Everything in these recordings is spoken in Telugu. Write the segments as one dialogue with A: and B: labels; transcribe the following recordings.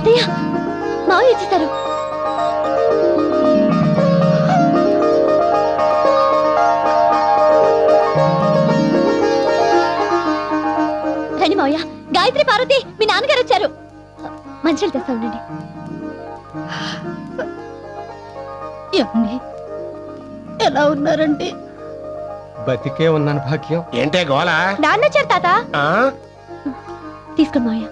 A: అత్తయ్య మావయ్య ఇచ్చేశారు. రండి మావయ్య. గాయత్రి, పార్వతి, మీ నాన్నగారు వచ్చారు. మంచిలు తెస్తా ఉండండి.
B: ఎలా ఉన్నారండి?
C: బతికే ఉన్నాను భాగ్యం.
D: ఏంటే గోలా?
A: నాన్న వచ్చారు తాత. తీసుకోండి మావయ్య.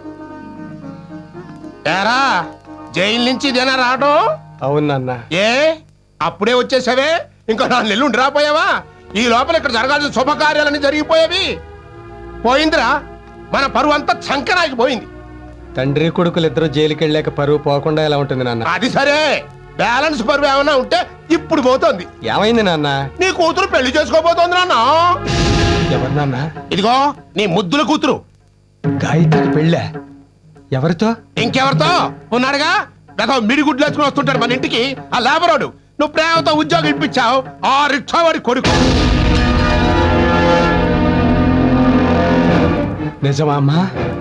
D: ఏరా, జైలు నుంచి ఇదేనా రావడం?
C: అవును నాన్న.
D: ఏ అప్పుడే వచ్చేసావే? ఇంకో 4 నెలలు ఉండి రాపోయావా? ఈ లోపల ఇక్కడ జరగాల్సిన శుభకార్యాలన్నీ జరిగిపోయేవి. పోయిందిరా, మన పరువు అంతా చంకనాకి పోయింది.
C: తండ్రి కొడుకులు ఇద్దరు జైలుకి వెళ్ళాక పరువు పోకుండా ఎలా ఉంటుంది నాన్న?
D: అది సరే, బ్యాలెన్స్ పరువు ఏమన్నా ఉంటే ఇప్పుడు పోతోంది.
C: ఏమైంది నాన్న?
D: నీ కూతురు పెళ్లి చేసుకోబోతోంది నాన్న.
C: ఎవరు నాన్న?
D: ఇదిగో నీ ముద్దుల కూతురు.
C: గాయత్రికి పెళ్ళా? ఎవరితో?
D: ఇంకెవరితో ఉన్నాడుగా, గత మిడిగుడ్లు వేసుకుని వస్తుంటాడు మన ఇంటికి ఆ లేబరోడు. నువ్వు ప్రేమతో ఉద్యోగం ఇప్పించావు, ఆ రిక్షా వాడి కొడుకు.
C: నిజమా అమ్మా?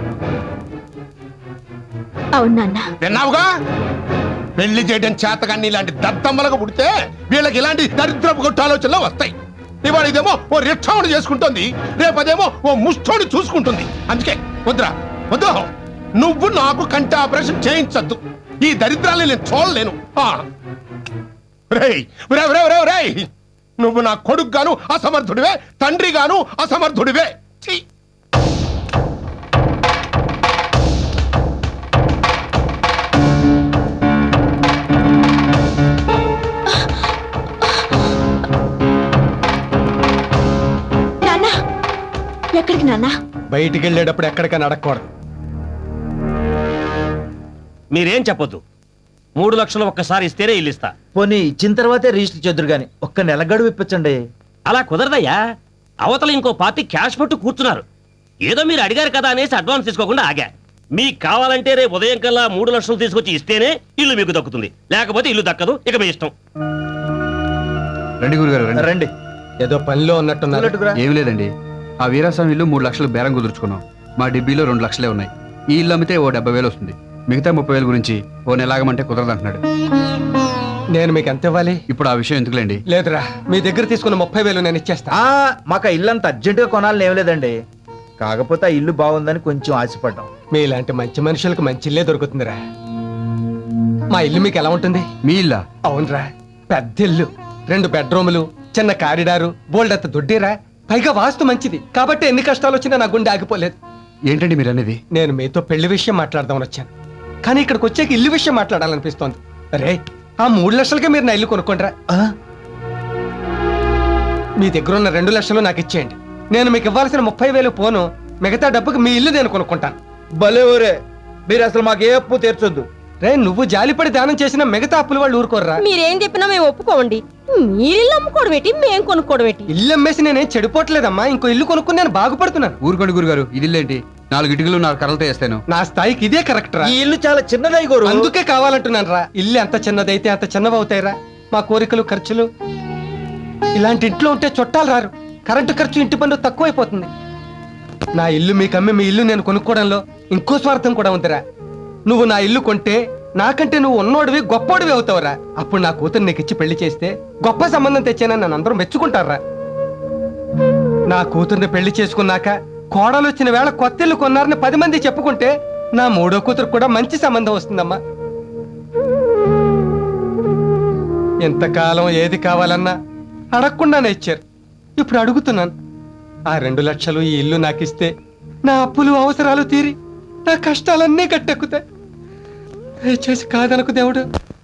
A: అవును నాన్న.
D: విన్నావుగా, పెళ్లి చేయడం చేతగాన్ని ఇలాంటి దద్దమ్మలకు పుడితే వీళ్ళకి ఇలాంటి దరిద్రపు కొట్టు ఆలోచనలు వస్తాయి. ఇవాళ ఇదేమో ఓ రిక్షావుని చేసుకుంటుంది, రేపదేమో ఓ ముష్టోని చూసుకుంటుంది. అందుకే వద్దురా, వద్దు. నువ్వు నాకు కంటి ఆపరేషన్ చేయించద్దు. ఈ దరిద్రాన్ని నేను చూడలేను. రేయ్, నువ్వు నా కొడుకు గాను అసమర్థుడివే, తండ్రి గాను అసమర్థుడివే. ఛీ!
A: నాన్న, ఎక్కడికి నాన్న?
C: బయటికి వెళ్ళేటప్పుడు ఎక్కడికైనా అడగకూడదు.
E: మీరేం చెప్పొద్దు. 3 లక్షలు ఒక్కసారి ఇస్తేనే ఇల్లు ఇస్తా.
F: పోనీ ఇచ్చిన తర్వాతే రిజిస్టర్ చేద్దరు గాని ఒక్క నెల గడువు ఇప్పించండి.
E: అలా కుదరదయ్యా. అవతల ఇంకో పార్టీ క్యాష్ పట్టు కూర్చున్నారు. ఏదో మీరు అడిగారు కదా అనేసి అడ్వాన్స్ తీసుకోకుండా ఆగా. మీకు కావాలంటే రేపు ఉదయం కల్లా 3 లక్షలు తీసుకొచ్చి ఇస్తేనే ఇల్లు మీకు దక్కుతుంది, లేకపోతే ఇల్లు దక్కదు. ఇక మీ ఇష్టం.
G: రండి గురుగారు రండి.
F: రండి.
C: ఏదో పనిలో ఉన్నట్టున్నారు.
G: ఏమి లేదండి, ఆ వీరాస్వామి ఇల్లు 3 లక్షలు బేరం కుదుర్చుకున్నాం. మా డిబ్బీలో 2 లక్షలే ఉన్నాయి. ఈ ఇల్లు అమ్మితే ఓ 70,000 వస్తుంది. మిగతా 30,000 గురించి ఓ నెలాగమంటే కుదరదంటున్నాడు.
C: నేను మీకు ఎంత ఇవ్వాలి?
G: ఇప్పుడు ఆ విషయం ఎందుకులేండి.
C: లేదురా, మీ దగ్గర తీసుకున్న 30,000 నేను ఇచ్చేస్తా.
F: మాకు ఇల్లు అంత అర్జెంటుగా కొనాలని ఏం లేదండి. కాకపోతే ఆ ఇల్లు బాగుందని కొంచెం ఆశపడ్డాం.
C: మీలాంటి మంచి మనుషులకు మంచి ఇల్లే దొరుకుతుందిరా. మా ఇల్లు మీకు ఎలా ఉంటుంది?
G: మీ ఇల్లా?
C: అవునరా, పెద్ద ఇల్లు, 2 బెడ్రూములు, చిన్న కారిడారు, బోల్డంత దొడ్డిరా. పైగా వాస్తు మంచిది కాబట్టి ఎన్ని కష్టాలు వచ్చినా నా గుండె ఆగిపోలేదు.
G: ఏంటండి మీరు అనేది?
C: నేను మీతో పెళ్లి విషయం మాట్లాడదామని వచ్చాను, కానీ ఇక్కడికి వచ్చాక ఇల్లు విషయం మాట్లాడాలనిపిస్తోంది. అరే, ఆ 3 లక్షలకే మీరు నా ఇల్లు కొనుక్కోండిరా. మీ దగ్గర ఉన్న 2 లక్షలు నాకు ఇచ్చేయండి. నేను మీకు ఇవ్వాల్సిన 30,000 పోను, మిగతా డబ్బుకి మీ ఇల్లు నేను కొనుక్కుంటాను.
F: భలే ఊరే, మీరు అసలు మాకు ఏ అప్పు తీర్చొద్దు.
C: రే, నువ్వు జాలిపడి దానం చేసిన మిగతా అప్పులు వాళ్ళు ఊరుకోర్రా.
B: మీరేం చెప్పినా మేము ఒప్పుకోండి. మీరిల్లు అమ్ముకోవడం ఏంటి, మేం కొనుక్కోవడం ఏంటి?
C: ఇల్లు అమ్మేసి నేనేం చెడిపోవట్లేదమ్మా, ఇంకో ఇల్లు కొనుక్కుని నేను బాగుపడుతున్నాను.
G: ఊరుకోండి గురుగారు, ఇది ఇల్లేంటి? 4 ఇటుకలు 4 కర్రలతో వేస్తాను.
C: నా స్థాయికి ఇదే కరెక్ట్ రా.
F: ఈ ఇల్లు చాలా చిన్నదై గోరు.
C: అందుకే కావాలంటున్నాను రా. ఇల్లు ఎంత చిన్నదైతే అంత చిన్నవవుతాయిరా. మా కోరికలు, ఖర్చులు ఇలాంటి ఇంట్లో ఉంటే చుట్టాలు రారు. కరెంటు ఖర్చు, ఇంటి పన్ను తక్కువైపోతుంది. నా ఇల్లు మీకు అమ్మి మీ ఇల్లు నేను కొనుక్కోవడంలో ఇంకో స్వార్థం కూడా ఉందిరా. నువ్వు నా ఇల్లు కొంటే నాకంటే నువ్వు ఉన్నోడివి, గొప్పోడివి అవుతావురా. అప్పుడు నా కూతురు నీకు ఇచ్చి పెళ్లి చేస్తే గొప్ప సంబంధం తెచ్చానని నన్ను అందరూ మెచ్చుకుంటారా. నా కూతుర్ని పెళ్లి చేసుకున్నాక కోడలు వచ్చిన వేళ కొత్త ఇల్లు కొన్నారని 10 మంది చెప్పుకుంటే నా 3వ కూతురు కూడా మంచి సంబంధం వస్తుందమ్మా. ఎంతకాలం ఏది కావాలన్నా అడగకుండానే ఇచ్చారు. ఇప్పుడు అడుగుతున్నాను. ఆ 2 లక్షలు ఈ ఇల్లు నాకిస్తే నా అప్పులు, అవసరాలు తీరి నా కష్టాలన్నీ గట్టెక్కుతాయి. దయచేసి కాదనకు దేవుడు.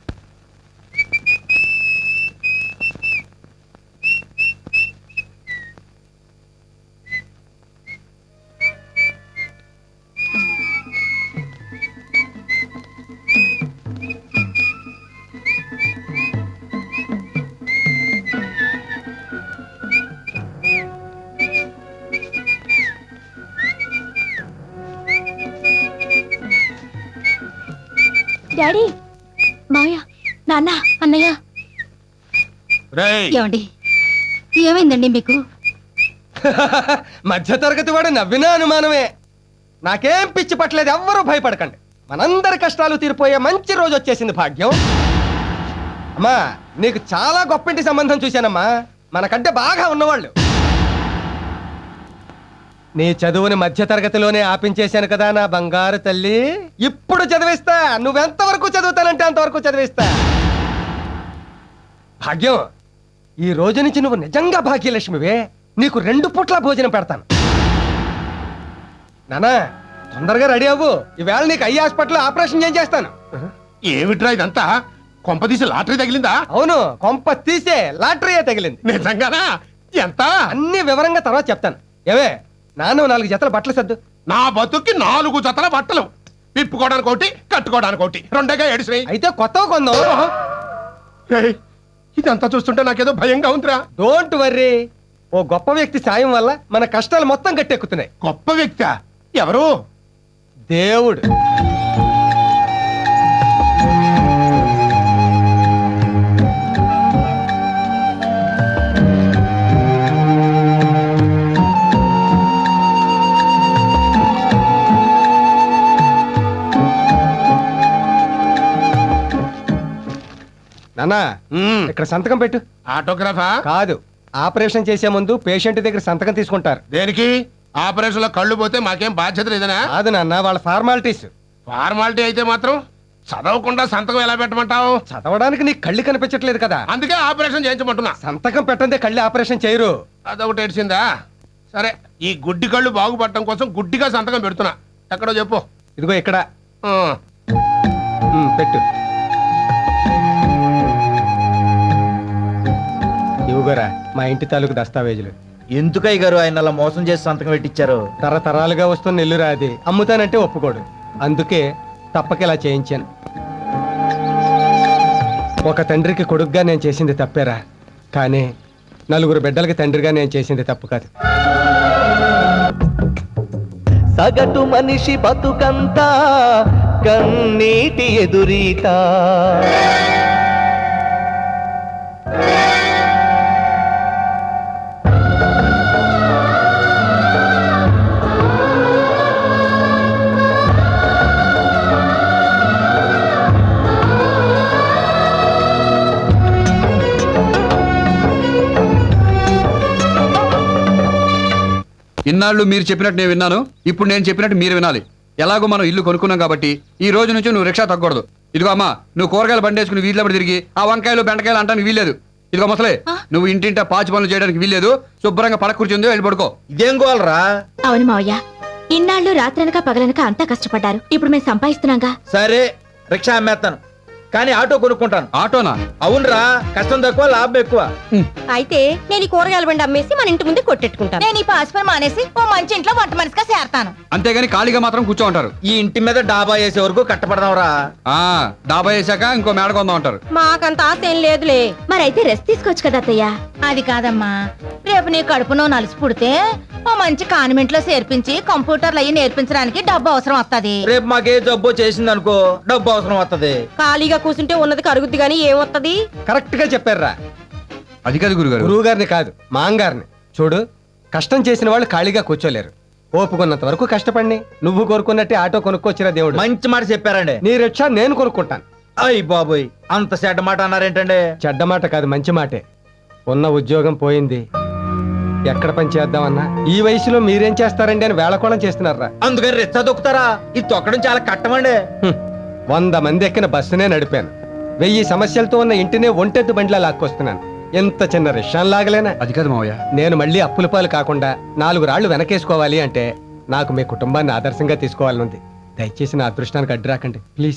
A: డాడీ, మావయ్య, నాన్న, అన్నయ్య.
B: ఏమండి, ఏమైందండి మీకు?
C: మధ్య తరగతి వాడు నవ్వినా అనుమానమే. నాకేం పిచ్చి పట్టలేదు, ఎవ్వరూ భయపడకండి. మనందరి కష్టాలు తీరిపోయే మంచి రోజు వచ్చేసింది భాగ్యం. అమ్మా నీకు చాలా గొప్పింటి సంబంధం చూశానమ్మా, మనకంటే బాగా ఉన్నవాళ్ళు. నీ చదువుని మధ్య తరగతిలోనే ఆపించేశాను కదా నా బంగారు తల్లి. ఇప్పుడు చదివిస్తా, నువ్వెంతవరకు చదువుతానంటే అంతవరకు చదివిస్తా. భాగ్యం, ఈ రోజు నుంచి నువ్వు నిజంగా భాగ్యలక్ష్మివే. నీకు 2 పూట్ల భోజనం పెడతాను. నానా తొందరగా రెడీ అవ్వు, ఈవేళ నీకు ఐ హాస్పిటల్ ఆపరేషన్ ఏం చేస్తాను.
D: ఏమిట్రా ఇదంతా? కొంపదీసి లాటరీ తగిలిందా?
C: అవును, కొంప తీసే లాటరీయే తగిలింది.
D: నిజంగానా? ఎంత?
C: అన్ని వివరంగా తర్వాత చెప్తాను. ఏవే నాన్న 4 జతల బట్టలు సర్దు.
D: నా బతుక్కి 4 జతల బట్టలు, విప్పుకోవడానికి ఒకటి, కట్టుకోవడానికి ఒకటి, 2గా ఏడిసినాయి.
C: అయితే కొత్తవి కొందాం.
D: రేయ్, ఇదంతా చూస్తుంటే నాకేదో భయంగా ఉందిరా.
C: డోంట్ వర్రీ, ఓ గొప్ప వ్యక్తి సాయం వల్ల మన కష్టాలు మొత్తం గట్టెక్కుతున్నాయి.
D: గొప్ప వ్యక్తి ఎవరు?
C: దేవుడు. నాన్నా
D: మ్మ్.
C: ఇక్కడ సంతకం పెట్టు.
D: ఆటోగ్రాఫా?
C: కాదు, ఆపరేషన్ చేసే ముందు పేషెంట్ దగ్గర సంతకం తీసుకుంటారు.
D: దేనికి? ఆపరేషన్ లో కళ్ళు పోతే మాకేం బాధ్యత లేదనా?
C: కాదు నాన్న, వాళ్ళ ఫార్మాలిటీస్.
D: ఫార్మాలిటీ అయితే మాత్రం చదవకుండా సంతకం ఎలా పెట్టమంటావు?
C: చదవడానికి నీకు కళ్ళు కనిపించట్లేదు కదా,
D: అందుకే ఆపరేషన్ చేయించమంటున్నా.
C: సంతకం పెట్టందే కళ్ళు ఆపరేషన్ చేయరు.
D: అదొకటి ఏడ్చిందా? సరే, ఈ గుడ్డి కళ్ళు బాగుపడటం కోసం గుడ్డిగా సంతకం పెడుతున్నా. ఎక్కడో చెప్పు.
C: ఇదిగో ఇక్కడ.
D: ఆ,
C: పెట్టు. ఇవ్వగోరా మా ఇంటి తాలూకు దస్తావేజులు.
F: ఎందుకయ్య గారు ఆయన అలా మోసం చేసి సంతకం పెట్టించారు?
C: తరతరాలుగా వస్తున్న ఇల్లు రాది, అమ్ముతానంటే ఒప్పుకోడు. అందుకే తప్పక ఇలా చేయించాను. ఒక తండ్రికి కొడుకుగా నేను చేసింది తప్పేరా, కానీ 4 బిడ్డలకి తండ్రిగా నేను చేసింది తప్పు కాదు.
H: సగటు మనిషి బతుకంతా కన్నీటి ఎదురీత.
G: ఇన్నాళ్ళు మీరు చెప్పినట్టు నేను విన్నాను, ఇప్పుడు నేను చెప్పినట్టు మీరు వినాలి. ఎలాగో మనం ఇల్లు కొనుక్కున్నాం కాబట్టి ఈ రోజు నుంచి నువ్వు రిక్షా తగ్గకూడదు. ఇదిగో అమ్మా, నువ్వు కూరగాయలు బండేసుకుని వీధిలో తిరిగి ఆ వంకాయలు బెండకాయలు అంటానికి వీల్లేదు. ఇదిగో ముసలే, నువ్వు ఇంటింటా పాచి పనులు చేయడానికి వీల్లేదు. శుభ్రంగా పడక కూర్చుందో వెళ్ళి పడుకో.
F: ఇదేం గోలరా?
A: అవును మావయ్య, ఇన్నాళ్ళు రాత్రనక పగలనక అంతా కష్టపడ్డారు. ఇప్పుడు మేము సంపాదిస్తున్నాగా.
F: సరే, రిక్షా అమ్మేస్తాను, కానీ ఆటో కొనుక్కుంటాను.
G: ఆటోనా?
F: అవునరా, కష్టం తక్కువ లాభం ఎక్కువ.
B: అయితే నేను ఈ కూరగాయల బండి అమ్మేసి మన ఇంటి ముందు కొట్టెట్టుకుంటాను.
I: నేను ఈ పాస్పర్ మానేసి ఓ మంచి ఇంట్లో వంట మనిషిగా చేరతాను.
G: అంతేగాని ఖాళీగా మాత్రం కూర్చో ఉంటారు.
F: ఈ ఇంటి మీద డాబా వేసే వరకు కట్టపడదాంరా.
G: ఆ డాబా వేసాక ఇంకో మేడ కొందాం అంటారు.
B: మాకంత ఆశ ఏం లేదులే.
A: మరైతే రెస్ట్ తీసుకోవచ్చు కదా అత్తయ్య.
I: అది కాదమ్మా, రేపు నీ కడుపునో నలుసు పుడితే ఓ మంచి కాన్వెంట్ లో చేర్పించి కంప్యూటర్లు అయ్యి నేర్పించడానికి డబ్బు అవసరం వస్తది.
F: రేపు మాకే జబ్బు చేసింది అనుకో, డబ్బు అవసరం వస్తది.
B: ఖాళీగా కూర్చుంటే ఉన్నది కరుగుద్ది గానీ ఏమొత్తది?
C: కరెక్ట్ గా చెప్పారా.
G: అది కాదు గురుగారు.
C: గురువు గారిని కాదు, మాంగారిని చూడు. కష్టం చేసిన వాళ్ళు ఖాళీగా కూర్చోలేరు. ఓపుకున్నంత వరకు కష్టపడి నువ్వు కోరుకున్నట్టే ఆటో కొనుక్కొచ్చిరా దేవుడు.
F: మంచి మాట చెప్పారండి.
C: నీ రిక్షా నేను కొనుక్కుంటాను.
F: అయ్యి బాబోయ్, అంత చెడ్డ మాట అన్నారేంటండి?
C: చెడ్డ మాట కాదు, మంచి మాటే. ఉన్న ఉద్యోగం పోయింది, ఎక్కడ పని చేద్దామన్నా ఈ వయసులో మీరేం చేస్తారండి అని వేళకోళం చేస్తున్నారా.
F: అందుకని రిచ్చా దొక్కుతారా? ఇది తొక్కడం చాలా కట్టమండి.
C: 100 మంది ఎక్కిన బస్సునే నడిపాను. 1000 సమస్యలతో ఉన్న ఇంటినే ఒంటెద్దు బండిలా లాక్కొస్తున్నాను. ఎంత చిన్న రిక్షాన్ లాగలేనా?
G: అది కాదు మావయ్య.
C: నేను మళ్ళీ అప్పుల పాలు కాకుండా 4 రాళ్లు వెనకేసుకోవాలి అంటే నాకు మీ కుటుంబాన్ని ఆదర్శంగా తీసుకోవాలనుంది. దయచేసి నా అదృష్టానికి అడ్డు రాకండి ప్లీజ్.